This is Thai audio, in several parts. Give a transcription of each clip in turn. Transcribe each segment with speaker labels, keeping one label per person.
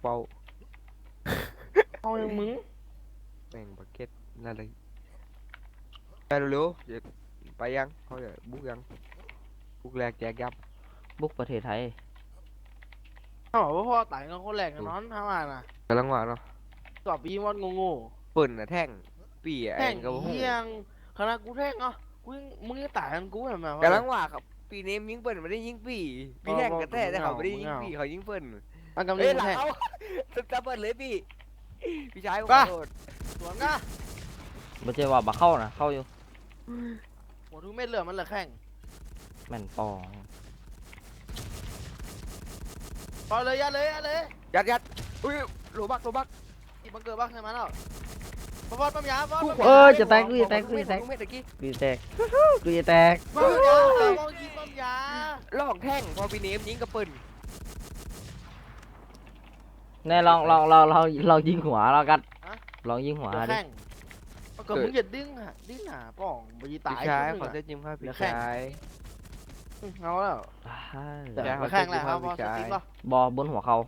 Speaker 1: ป้า
Speaker 2: เอาอย่างมึง
Speaker 1: แม่งบักเก็ตนั่นเลยไปเร็วๆอย่าไปยังเขาจะบุกยังบุกแรกแจกยับ
Speaker 3: บุกประเทศไทย
Speaker 2: เขาบอกว่าพ่อตายกันคนแรกกันนอนทำงานน่ะ
Speaker 1: กำลังว่าเนาะ
Speaker 2: ตอบอีมอนโง่
Speaker 1: เปิ่นน่ะแท่งปี
Speaker 2: ๆแท่ง
Speaker 1: ไอ้กระหู
Speaker 2: เฮียงขนาดกูแท่งเนาะกูยังมึงยังตายกันกูแบบ
Speaker 1: กำลังว่าครับปีนี้ยิงเปิ่นไม่ได้ยิงปีปีแท่งกระแท้แต่เขาไม่ได้ยิงปีเขายิงเปิ่น
Speaker 2: อันกำลั
Speaker 1: เฮ้ย
Speaker 2: ง
Speaker 1: หลัง
Speaker 2: แท่ง
Speaker 1: เอาจะเปิดเลยพี่พี่ชายผมข
Speaker 2: ป่ะ
Speaker 1: อโทษ
Speaker 2: สวนก็
Speaker 3: ไม่ใช่ว่าบักเข้านะเข้าอยู่
Speaker 2: หมดทุกเม็ดเลยมันเหลือแข้ง
Speaker 3: แม่นปอง
Speaker 2: พอเลยยัดเลยยัดเลย
Speaker 1: ยัดอุ้ยโลบัก
Speaker 2: อีบังเกิดบ้างใช่ไหมเนาะพอฟอดปั๊มยาฟอด
Speaker 3: จะแตกกูจะแตกกูจะแตก
Speaker 1: เม็ดตะกี้
Speaker 3: กูจะแตกกูจะแตก
Speaker 2: ปั๊มยาฟอดยิงปั๊มยา
Speaker 1: ลอกแท่งพอปีนี้ยิงกระเปิ่น
Speaker 3: แน่ลองยิงหัวเรากันลองยิงหัว
Speaker 2: เหลือ
Speaker 3: ดิ
Speaker 2: แข้งก็มึงอย่าดิ้งหาป่องไปตาย
Speaker 1: พี่ชายขอเส้นจิ้มครับพี่ชาย
Speaker 2: เอาแล้ว
Speaker 1: ใช่
Speaker 2: เหลือแข้งแล้วครับพอสติ๊กป่ะ
Speaker 3: บอบนหัวเขา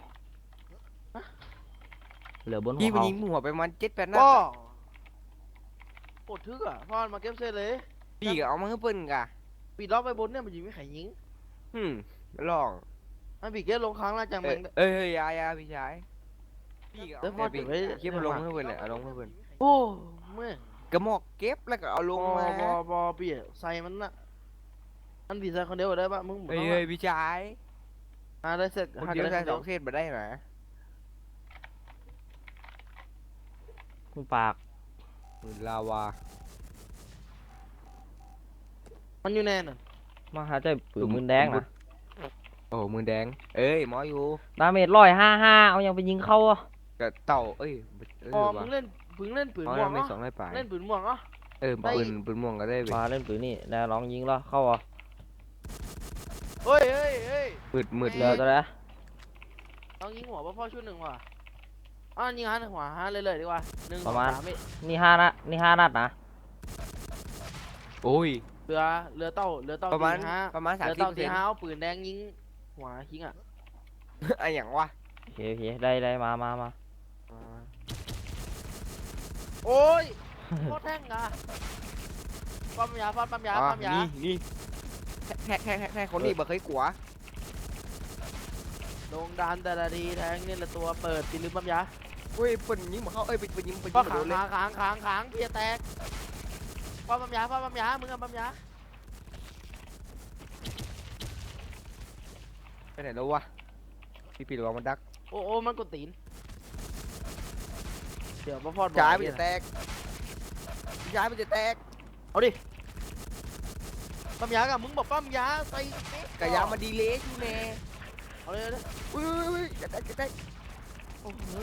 Speaker 3: เหลือบนหัว
Speaker 1: พี่มัน
Speaker 3: เขา
Speaker 1: ยิงหัวไปมัน7-8นัด
Speaker 2: ก็ปวดทึกอ่ะพอมาเก็บเซตเลย
Speaker 1: พี่ก็เอามาให้เปิ้นกะ
Speaker 2: ปีล็อกไปบนเนี่ยมันยิงไม่ไขยิง
Speaker 1: ลอง
Speaker 2: มันปีเก็บลงครั้งแล้วจัง
Speaker 1: เอ้
Speaker 2: มั
Speaker 1: ย
Speaker 2: น
Speaker 1: เอ้ยยาพี่ชายพี่ก็
Speaker 2: เดี๋
Speaker 1: เอา
Speaker 2: ยว
Speaker 1: มา
Speaker 2: พอเก็บไว้
Speaker 1: คลิปมาลงให้เปิ้นเลยเอาลงให้เปิ้น
Speaker 2: โอ้เมื่อก
Speaker 1: ระหมอกเก็บแล้วก็เอาลงมา
Speaker 2: บอเปียใส่มันน่ะมันปีใส่คนเดียวได้ปะมึง
Speaker 1: เอ้ยพี่ชาย
Speaker 2: ได้เสร็จ
Speaker 1: คนเดียวใส่2เส้นมาได้ไหม
Speaker 3: มึงปาก
Speaker 1: ลาวา
Speaker 2: มันอยู่แน่น่ะ
Speaker 3: มาหาใจปืนมือแดงนะ
Speaker 1: โอ้มือแดงเอ้ยหมออยู่
Speaker 3: ดาเมจ155เอายังไปยิงเข้าอ่ะ
Speaker 1: กระเต่าเอ้ย
Speaker 2: พอมึงเล่นปืนปืน
Speaker 1: อ๋อ
Speaker 2: ม่วง
Speaker 1: ไม่
Speaker 2: เนาะ
Speaker 1: 200ปลาย
Speaker 2: เล่นปืนม่วงเนาะ
Speaker 1: ปืนม่วงก็ได้เว้ย
Speaker 3: มาเล่นปืนนี่ได้ลองยิงแล้วเข้าอ่ะ
Speaker 2: เฮ้ย
Speaker 1: มืด
Speaker 3: เหลือตัวไหน
Speaker 2: ต้องยิงหัวพ่อชุดหนึ่งว่ะยิงหัวเลยดีกว่า1 2 3
Speaker 3: นี่5 นัดนะ
Speaker 1: โอ้ย
Speaker 2: เรือเต้า
Speaker 1: ประมาณ
Speaker 2: เรือเต้าตีห้าเอาปืนแดงยิงหัวยิงอ่ะ
Speaker 1: ไอ้อย่างวะ
Speaker 3: โอเคได้มา
Speaker 2: โอ้ยโคตรแท่งอ่ะปั๊มยาปั๊มยา
Speaker 1: นี่แค่คนนี้บ่เคยกลัว
Speaker 2: ลงดานแต่ละทีแทงนี่ละตัวเปิดตีลืมปั๊มยา
Speaker 1: เฮ้ยเปิ้นยิงมาเข้าเอ้ยไปยิง
Speaker 2: ก็
Speaker 1: มาโดนเลย
Speaker 2: ขางเพียแตกปั๊มยามึงอะปั๊มยา
Speaker 1: ไปไหนแล้ววะพี่ระวังมันดัก
Speaker 2: โอ้มันกดตีนเดี๋ยวมาฟอด
Speaker 1: จ่ายมันจะแตกจ่ายมันจะแตก
Speaker 2: เอาดิปั๊มยากับมึงบอกปั๊มยาใส่
Speaker 1: กระยามันดีเลยอยู่แน่
Speaker 2: เอาเลย
Speaker 1: อุ้ยจะแตก
Speaker 2: โอ้โห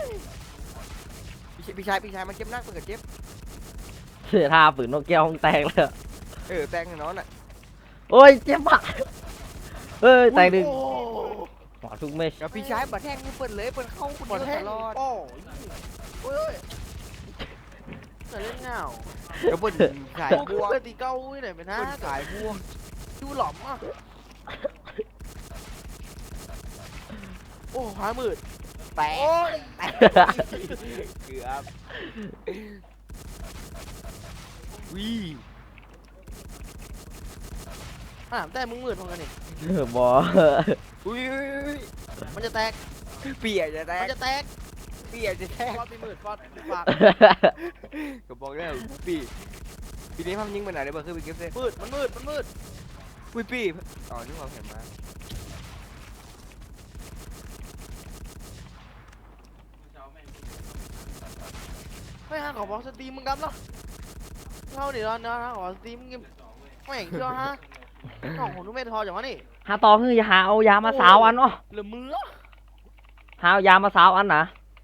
Speaker 1: พี่ชายมันเจ็บนักมันก็เจ็บ
Speaker 3: เสียท่าปืนนกแก้วแตกเลย
Speaker 1: แตกแน่นอนอ่ะ
Speaker 3: โอ้ยเจ็บอ่ะเฮ้ยแตกดึงหัวทุกเม็ด
Speaker 1: แล้วพี่ชายบัดแทงเปิ้นเลยเปิ้นเข้าคน
Speaker 2: หมด
Speaker 1: เดียว
Speaker 2: แท่
Speaker 1: ต
Speaker 2: ง
Speaker 1: ลอด
Speaker 2: โอ้ยจะเล่นเงา
Speaker 1: แล้วเปิ้นขายบวก
Speaker 2: เพื่อตีเก้าอุ้ยไหนเป็นฮะ
Speaker 1: เปิ้นขายบวก
Speaker 2: ดูหล่อมอ่ะโอ้หามืด
Speaker 1: แตก
Speaker 2: โอ้ย
Speaker 1: เกือบวิ
Speaker 2: แต่มึงมืดพอกันนี่
Speaker 3: บอ
Speaker 1: อุ้ย
Speaker 2: มันจะแตก
Speaker 1: เปียจะแต
Speaker 2: มั
Speaker 1: ก
Speaker 2: นจะแตก
Speaker 1: เปียจะแตก
Speaker 2: ฟอดไปมืดฟอดปาก
Speaker 1: ก็บอกแล้วปีนี้พัมยิงไปไหนเดี๋ยวเบอร์คือไปเก็บเส้น
Speaker 2: มันมืด
Speaker 1: อุ้ยปีอ๋อนี่ความเห็นมา
Speaker 2: ไม่ฮะขอบอกสตรีมมึงกำเนาะเข้าดิรอนนะขอสตรีมมึงไม่เห็นเชื่อฮะน้องผมทุกเม็ดพออย่างวะนี่
Speaker 3: หาต่อคืออย่าหาเอายามาสาวอันเนาะ
Speaker 2: เหลือมือ
Speaker 3: หาเอายามาสาวอันนะ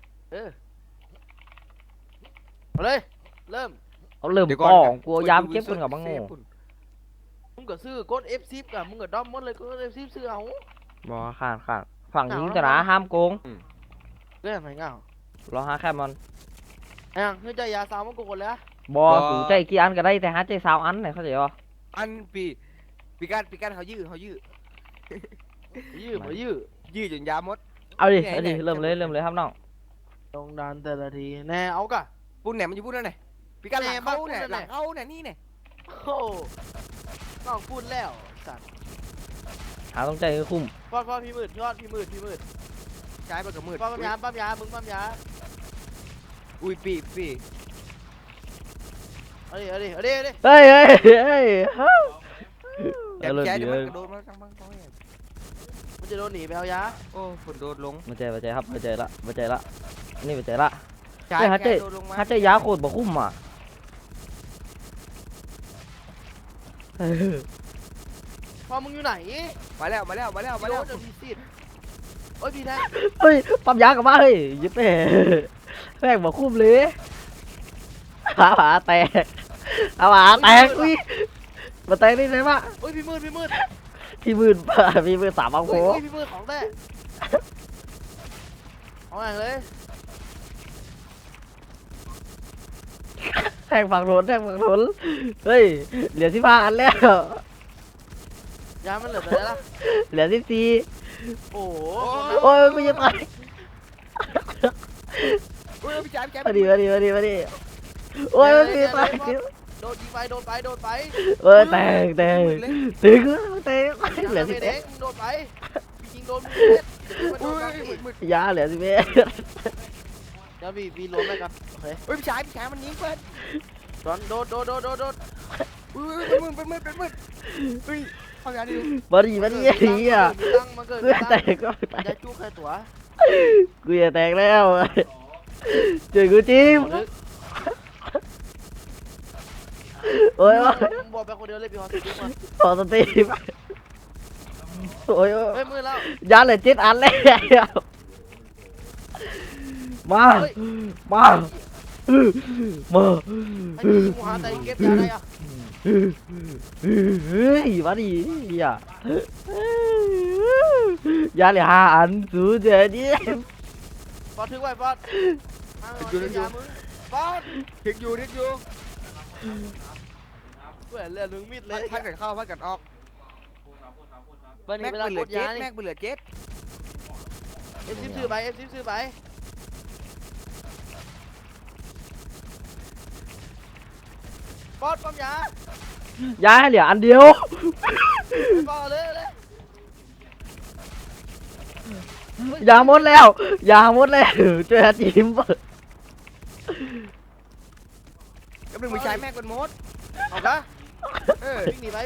Speaker 2: เอาเลยเริ่ม
Speaker 3: เอาเริ่มกล่องกลัวยามเก็บคนกับบังโง่
Speaker 2: มึงก็ซื้อกด F10 กับมึงก็ด้อมหมดเลยกด F10 ซื้อเอา
Speaker 3: บอขาดฝั่งยิงแต่ละห้ามโกง
Speaker 2: เรื่องไหนเงาร
Speaker 3: อหาแค่มัน
Speaker 2: ไอ้ยังคือใจยาสาวมันกูคนแล้ว
Speaker 3: บอสูใจกี่อันก็ได้แต่หาใจสาวอันไหนเข้าใจป่ะ
Speaker 1: อันปีกันเขายื้อ
Speaker 2: ยื้อบ่ยื้อ
Speaker 1: จนยาหมด
Speaker 3: เอาดิ
Speaker 1: ไหน
Speaker 3: เอาดิ
Speaker 1: ไหน
Speaker 3: เริ่มเลยครับน้อง
Speaker 2: ลงดันแต่ละทีแน่เอากะ
Speaker 1: ปุ่นไหนมันอยู่ปุ่นนั่นไหนพี่กันหลัง
Speaker 2: แม่
Speaker 1: เขา
Speaker 2: บ้าน
Speaker 1: เนี่ย
Speaker 2: ปุ่นนั่น
Speaker 1: หลัง
Speaker 2: ไหน
Speaker 1: เขาเนี่ยนี่เนี่ย
Speaker 2: โอ้น้องพูดแล้วสัตว์
Speaker 3: หาต้องใจให้คุ้ม
Speaker 2: ฟอดพี่มืดพี่มืด
Speaker 1: ใช้ไปกับมืด
Speaker 2: ปั๊มยามึงปั๊มยา
Speaker 1: อุ้ยปีปี
Speaker 2: เอาดิ
Speaker 3: เฮ้ยเฮ้ยเฮ้ยเฮ้ย
Speaker 1: แอบแฉเดี๋ยวมันกระโดดมาจังบ้างเขาเนี่ย
Speaker 2: มันจะโดนหนีไปเอายา
Speaker 1: โอ้ฝนโดดลง
Speaker 3: มาใจครับมาใจละนี่มาใจละ
Speaker 1: ใช้
Speaker 3: เฮ้ยฮัต
Speaker 1: แฉ
Speaker 3: เต้
Speaker 1: โดดลงมา
Speaker 3: ฮัตเต้ยาโคตรบ่คุ้มอ่ะ
Speaker 2: พอมึงอยู่ไหน
Speaker 1: มาแล้ว
Speaker 2: เดี๋ยวพี่ซีดโอ้ยพี่แท้
Speaker 3: เฮ้ยปั๊มยากลับมาเฮ้ยยิบแม่แม่งบ่คุ้มเลยหาแตกอุ้ยมาแตกได้ไงวะ
Speaker 2: โอ้ยพี่มืด
Speaker 3: พี่มืดสามบังโค
Speaker 2: โอ้ยพี่มืดของแท้เอาไงเลย
Speaker 3: แทงฝั่งโน้นเฮ้ยเหลือ15 อันแล้ว
Speaker 2: ยามันเหลือแต่ละ
Speaker 3: เหลือ14
Speaker 2: โอ้โห
Speaker 3: โอ้ยกูจะตาย
Speaker 1: เฮ้ยพี่แฉพี่แฉ
Speaker 3: มาดิโอ้ยกูจะตาย
Speaker 2: โดนยิงไปโดนไป
Speaker 3: เอ้ยแตกถึงเหลือ
Speaker 2: ไม่
Speaker 3: 11
Speaker 2: เด้งโดนไปยิงโดนมึงเ
Speaker 1: อุ้ย
Speaker 2: ด็ด
Speaker 1: มืด
Speaker 3: ยาเหลือ11
Speaker 2: เดี๋ยวพี่ล้มเลยกันโอเค
Speaker 1: เฮ้ยพี่แฉมันยิงเพื่อน
Speaker 2: โดน
Speaker 1: อุ้ยเป็นมืดเฮ้ยเอาอย่างนี้
Speaker 3: มาดิไอ้เหี้ย
Speaker 2: มันเกิด
Speaker 3: กูจะแตกก็
Speaker 2: จะจุกใครตัว
Speaker 3: กูจะแตกแล้วช่วยกูจิ้มโอ้ย
Speaker 2: บอกไปคนเดียวเลยพี่ฮอสติมา
Speaker 3: ขอสตรีมโอ้ย
Speaker 2: เฮ้ยมือแล้ว
Speaker 3: ยาเหลือ7 อันแล้วมา
Speaker 2: เฮ้ย
Speaker 3: มา
Speaker 2: ไอ้ที่มูฮาแต่เก็บยาได้อะ
Speaker 3: เฮ้ยมาดิอย่ายาเหลือ5 อันสูเจดิ
Speaker 2: ปอดถึงไว้ปอดยามึงปอด
Speaker 1: ถึงอยู่
Speaker 2: เพื่อนเลือดมึงมิดเลย
Speaker 1: พัดกันเข้าพัดกันออก
Speaker 2: เบอร์นี้
Speaker 1: แม็ก
Speaker 2: เวลา
Speaker 1: เป็นเหลื
Speaker 2: ก
Speaker 1: อ
Speaker 2: ด
Speaker 1: เจ็
Speaker 2: ยา
Speaker 1: ด
Speaker 2: นี่
Speaker 1: แม็กเป็นเหลือเจ็ด
Speaker 2: F10 ซื้อไปปอดปั๊มยาย
Speaker 3: าให้เหลืออันเดียว
Speaker 2: ปอดเลย
Speaker 3: ยาหมดแล้วช่วยหาจิ้ม
Speaker 1: ก็เป็นมือใช้แม็กเป็นมด
Speaker 2: เอาปะ วิ่งหนีไป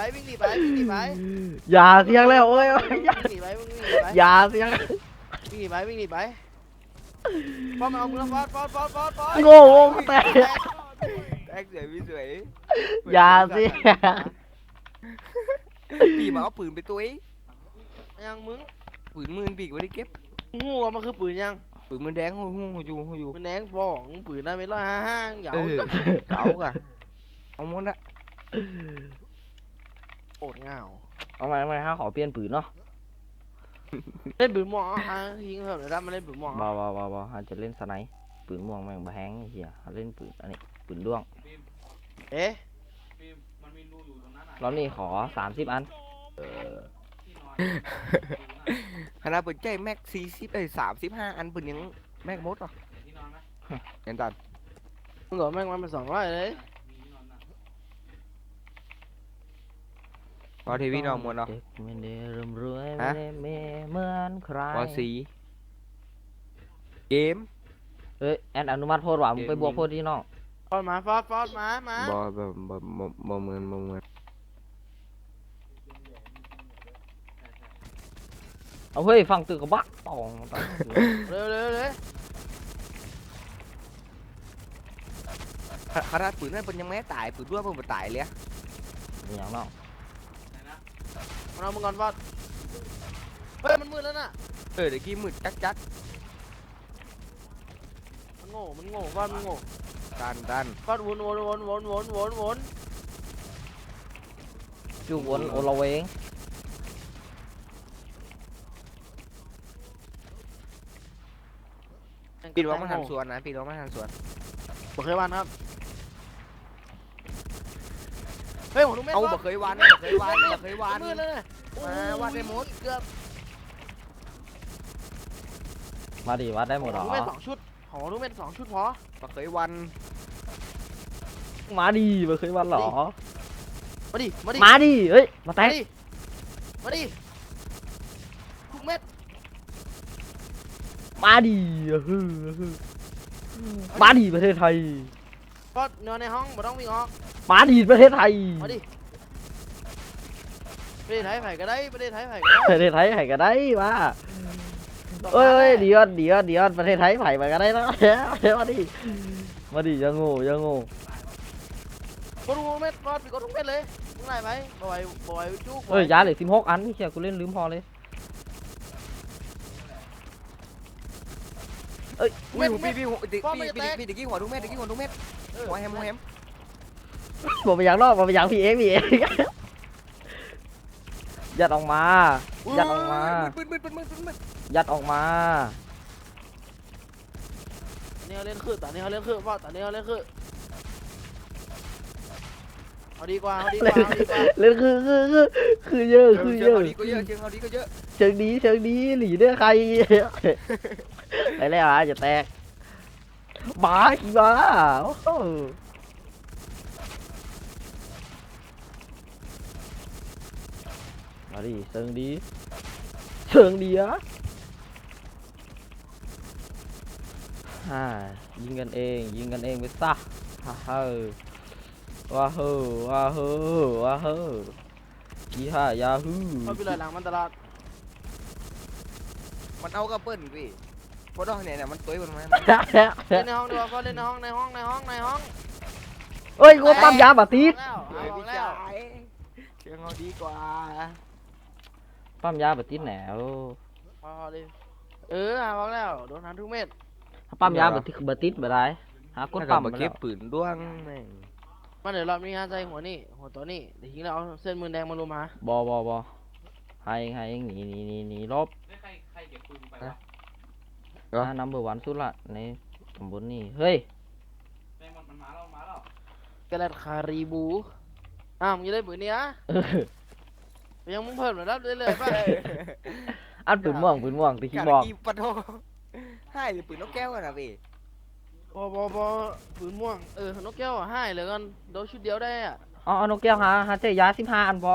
Speaker 3: ยาเสียงแล้วโอ้ย
Speaker 2: วิ่งหนีไป
Speaker 3: ยาเสียง
Speaker 2: วิ่งหนีไปปอดมาเอามือปอด
Speaker 3: โง่แตก
Speaker 1: แม็กสวยพี่สวย
Speaker 3: ยาเสียง
Speaker 1: ปีมาเอาปืนไปตัวเอง
Speaker 2: ยังมึง
Speaker 1: ปืนมือปีกไว้ได้เก็บ
Speaker 2: งูมันคือปืนยัง
Speaker 1: ปืนมือแดงหูอยู่
Speaker 2: มันแดงบ้องปืนได้ไม่ร้อยห้างเหยา
Speaker 1: เก่าก่ะเอาหมดละ
Speaker 2: โอดเงา
Speaker 3: เอามาฮะขอเปลี่ยนปืนเนาะ
Speaker 2: เล่นปืนหมอฮะยิงเหอะเดี๋ยวได้มาเล่นปืนหมอ
Speaker 3: บ่อาจจะเล่นสไนป์ปืนม่วงแม่งบ่แฮงไอ้เหี้ยเล่นปืนอันนี้ปืนด้วง
Speaker 2: เอ๊ะ
Speaker 3: รอบนี้ขอ30 อัน
Speaker 1: ขนาดปืนใจแม็ก35 อันปืนยังแม็กมดหรอเห็นตัน
Speaker 2: มึงบอกแม่งมันเป็น200เลย
Speaker 1: พอทีวีน้องมวนเนาะ
Speaker 3: เด็กไม่ได้ร่ำรวย
Speaker 1: ฮะ
Speaker 3: ไม่ได้เหมือนใคร
Speaker 1: พอสีเกม
Speaker 3: เอ้ยแอนอนุมัติโพดว่ะมึงไปบวกโพดที่น้อง
Speaker 2: ฟอดมามา
Speaker 1: บ่เหมือน
Speaker 3: เอาเฮ้ยฟังตึกกับบักตอง
Speaker 2: เร็ว
Speaker 1: ขนาดปืนนั่นเป็นยังไม่ตายปืนด้วยมันตายเลย
Speaker 3: นี่อย่างน้อง
Speaker 2: มันเอามึงก่อนฟอดเฮ้ยมันมืดแล้วน่ะ
Speaker 1: เดี๋ยวกี้มืดจัก
Speaker 2: มันโง่ฟอดมันโง่
Speaker 1: ดัน
Speaker 2: ฟอดวน
Speaker 3: จูวนโอละเวง
Speaker 1: ปีนว่ามันหันสวนนะปีนว่ามันหันสวน
Speaker 2: บอกเคยวันครับเฮ้ยผมดูแม่
Speaker 1: เอาบ่เคยวันบ่เคยวัน
Speaker 2: มืดแล้วน่ะ
Speaker 1: มาวัดได้หมด
Speaker 2: เกือบ
Speaker 3: มาดิวัดได้หมดเหร
Speaker 2: ข
Speaker 3: อ
Speaker 2: องลูกเม็ด2 ชุดของลูกเม็ด2 ชุดพอ
Speaker 1: มาเคยวัน
Speaker 3: มาดิมาเคยวัดเหรอ
Speaker 2: มาดิมาดิ
Speaker 3: มาดิเฮ้ยมาแต
Speaker 2: มาก ดิมาดิทุกเม็ด
Speaker 3: มาดิมาดิประเทศไทย
Speaker 2: ก็นอนในห้องไม่ต้องวิ่งออก
Speaker 3: มาดิประเทศไทย
Speaker 2: มาดิประเทศไทยไผ่ก็ได้ประเทศไทยไผ่ก็ได้
Speaker 3: ประเทศไทยไผ่ก็ได้มาเอ้ยเดี๋ยวประเทศไทยไผ่มาก็ได้นะมาดิมาดิยังโง่ยังโง่
Speaker 2: กดทุกเม็ดกดไปกดทุกเม็ดเลยมึงไหนไปบ่อยจุก
Speaker 3: เอ้ยยาเหลือ16 อันนี่เชียกูเล่นลืมพอเลยเอ้ย
Speaker 1: พี่ตะกี้หัวทุกเม็ดหัวแฮม
Speaker 3: บอกไปอย่างรอบบอกไปอย่างพี่เองยัดออกมายัดออกมา
Speaker 1: มืด
Speaker 3: ยัดออกมา
Speaker 2: นี่เขาเล่นคือตอนนี้เขาเล่นคือว่าตอนนี้เขาเล่นคือเอาดีกว่าเอาดีกว่าเอาดีกว่า
Speaker 3: เล่นคือเยอะคือเยอะ
Speaker 1: ก็เยอะเชิงเขาดีก็เยอะ
Speaker 3: เชิงดีหลีเด้อใครไปแล้วอ่ะจะแตกบ้ากี่บ้าโอ้โหมาดิเชิงดีอ่ะยิงกันเองไปซะฮ่าฮ่าว้าเฮ้ยี่ห้ายาฮู
Speaker 2: เขาไปเลยหลังมันตลอด
Speaker 1: มันเอากระเปิ้ลพี่พอดอกเนี่ยมันตัวมันมา
Speaker 2: เล่นในห้องดีกว่าก็เล่นในห้องในห้อง
Speaker 3: เอ้ยกูปั๊มยาบาติด
Speaker 2: แล้ว
Speaker 1: เฮ้ย
Speaker 2: เอา
Speaker 1: พี่
Speaker 2: แล้
Speaker 1: ชาว ยเชิงเขาดีกว่า
Speaker 3: ปั๊มยาบาติดแหนว
Speaker 2: พอดิเอาแล้วโดนทันทุกเม็ด
Speaker 3: ถ้าปั๊มยาบาติดบ่ได้หากดปั๊ม
Speaker 1: มา
Speaker 3: มา
Speaker 1: เก็
Speaker 3: แล้
Speaker 1: บ
Speaker 3: ว
Speaker 1: ปืนด้วงแม่ง
Speaker 2: มาเดี๋ยวรอบนี้ฮะใจหัวนี่หัวตัวนี่เดี๋ยวทิ้งแล้วเอาเส้นมือแดงมาลุมมา
Speaker 3: บให้เองหนีลบ
Speaker 4: ใครเก็บปืนไปวะ
Speaker 3: นัมเบอร์วันสุดละในตำบลนี่เฮ้ย
Speaker 4: แม่งมันมาแล้ว
Speaker 2: กระดาษคารีบูมึงจะได้ปืนนี้อะยังมึงเพิ่มหน่อยรับเรื่อยๆป่ะ
Speaker 3: อันปืนม่วงที่คิดบอก
Speaker 1: กีปะโถให้ปืนนกแก้วกันนะพี่
Speaker 2: บปืนม่วงนกแก้วให้เลยกันโดนชุดเดียวได้อ่ะ
Speaker 3: อ๋อนกแก้วหาเจยา15 อันพอ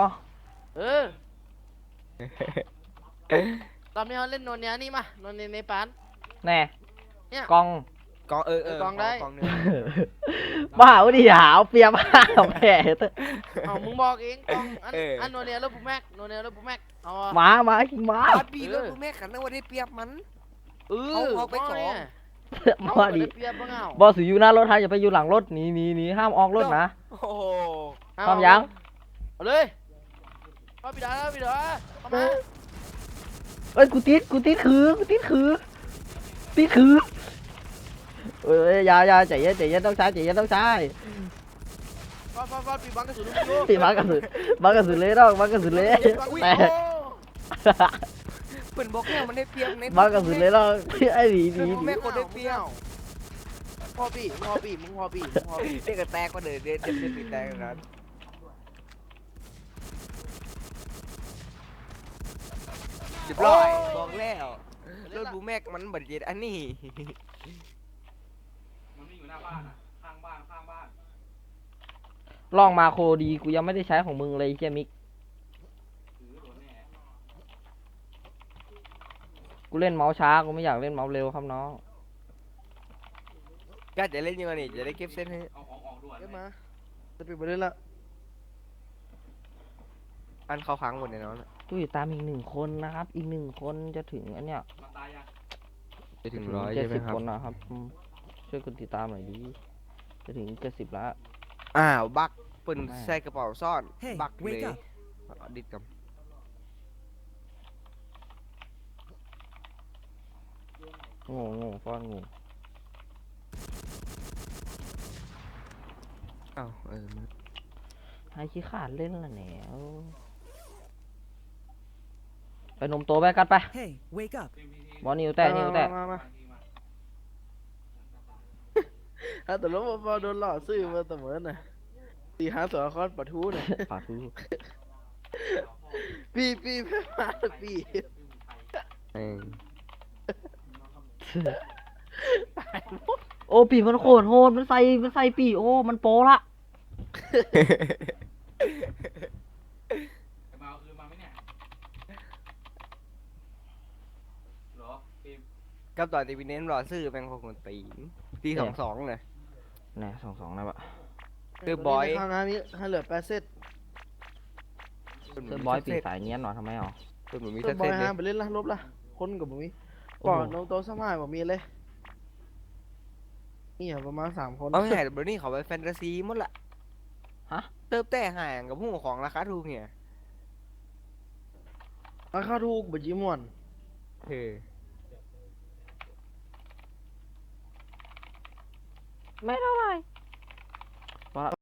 Speaker 2: ตอนนี้เขาเล่นโนเนียนี่มาโนเนียในปาน
Speaker 3: แน่
Speaker 2: เนี่ย
Speaker 3: กอง
Speaker 1: กองกองเนื้อ
Speaker 3: บ้าวดิหาวเปียมาแผลเถอะ
Speaker 2: มึงบอกเองกองอันโนเนียแล้วปุ๊แม็กโนเนียแล้วปุ๊แม็กเอา
Speaker 3: มากินมา
Speaker 1: ปัดปีแล้วแม่ขันนะว่าได้เปรียบมัน เอาไปสอง
Speaker 3: มาดิ
Speaker 2: เปียบบ้างเอา
Speaker 3: บอสอยู่หน้ารถฮะอย่าไปอยู่หลังรถหนีห้ามออกรถนะ
Speaker 1: โอ้โห
Speaker 3: ปั๊มยัง
Speaker 2: เอาเลยเอาปิดาเข้ามา
Speaker 3: เอ้ยกูติดคือเอ้ยอย่าใจเย็นต้องใช้
Speaker 2: ฟาดปีบังกระสุนลูกดู
Speaker 3: ตีมากระสุนเลยน้องมากระสุนเลยแต่
Speaker 1: ปืนบอกแก้วมันได้เปรียบใน
Speaker 3: มากระสุนเลยน้องไอ้หนี
Speaker 1: แม่คนได้เปรียบ
Speaker 2: พอปีมึงพอปี
Speaker 1: เด็กแตกก็เดินติดแตกนั้นเรียบร้อยบอกแล้วรถบูแม็กมันบัดเจ็ดอันนี้
Speaker 4: มันไม่อยู่หน้าบ้านอ่ะข้างบ้าน
Speaker 3: ลองมาโคดีกูยังไม่ได้ใช้ของมึงเลยเฮียมิก
Speaker 4: ถือโดนแน่
Speaker 3: กูเล่นเมาส์ช้ากูไม่อยากเล่นเมาส์เร็วครับน้อง
Speaker 1: ก็จะเล่นยังไงนี่จะได้เก็บเส้นให้
Speaker 4: เอาออกด่วน
Speaker 2: เก็บมาจะปิดไปเลยละ
Speaker 1: อันเขาค้างหมดเลยเนาะ
Speaker 3: ตู้ติดตามอีก1 คนนะครับอีก1 คนจะถึงอันเนี้ย
Speaker 4: มาตายยัง
Speaker 1: จะถึงร้อยใช่ไหมครับ
Speaker 3: 70 คนนะครับช่วยกดติดตามหน่อยดิจะถึง70แล้ว
Speaker 1: อ้าวบักปืนใส่กระเป๋าซ่อนบักเลยดิดกับ
Speaker 3: งงฟ้อนงง
Speaker 1: อ้าว
Speaker 3: ให้ขี้ขาดเล่นละแหนวไปนมโตไปกันไป
Speaker 5: Hey, wake up.
Speaker 3: บอลนิวแต่
Speaker 2: มาแต่แล้วพอโดนหลอกซื้อมาเสมอน่ะตีหาสารคอนปะทูน่ะ
Speaker 3: ปาทู
Speaker 2: ปีมาปี
Speaker 1: เอง
Speaker 3: โอ้ปีมันโคตรโหดมันใส่ปีโอ้มันโปละ
Speaker 4: จะมาเอาคืนมาไหมเนี่ยเหรอเกม
Speaker 1: กับตอนที่พี่เน้นรอซื้อแม่งของคนตีนตี22เลย
Speaker 3: แน่22นะบะ
Speaker 1: คือบอย
Speaker 2: ข้างหน้านี้ให้เหลือ8เซต
Speaker 3: เซอร์บอยปีสายเงี้ยนหน่อยทำไมอ๋อ
Speaker 1: ส่วนหนูมี
Speaker 2: เซ
Speaker 1: เส้
Speaker 2: ต
Speaker 1: น
Speaker 2: บอย
Speaker 1: เส้นเล
Speaker 2: ห้าย ไปเล่นละลบละคนกับบ่มี
Speaker 3: โอ้
Speaker 2: ปอ
Speaker 3: โห
Speaker 2: ดน้องโตสมัยบ่มีเลยนี่อะประมาณ3 คน
Speaker 1: เอาให้เบอร์นี่เขาไปแฟนตาซีหมดละ
Speaker 3: ฮะ
Speaker 1: เติบแต่ห่างกับผู้ของราคาถูกเนี่ย
Speaker 2: ราคาถูกบ่จีม่วน
Speaker 1: เฮ้ย
Speaker 3: ไม่เท่าไหร่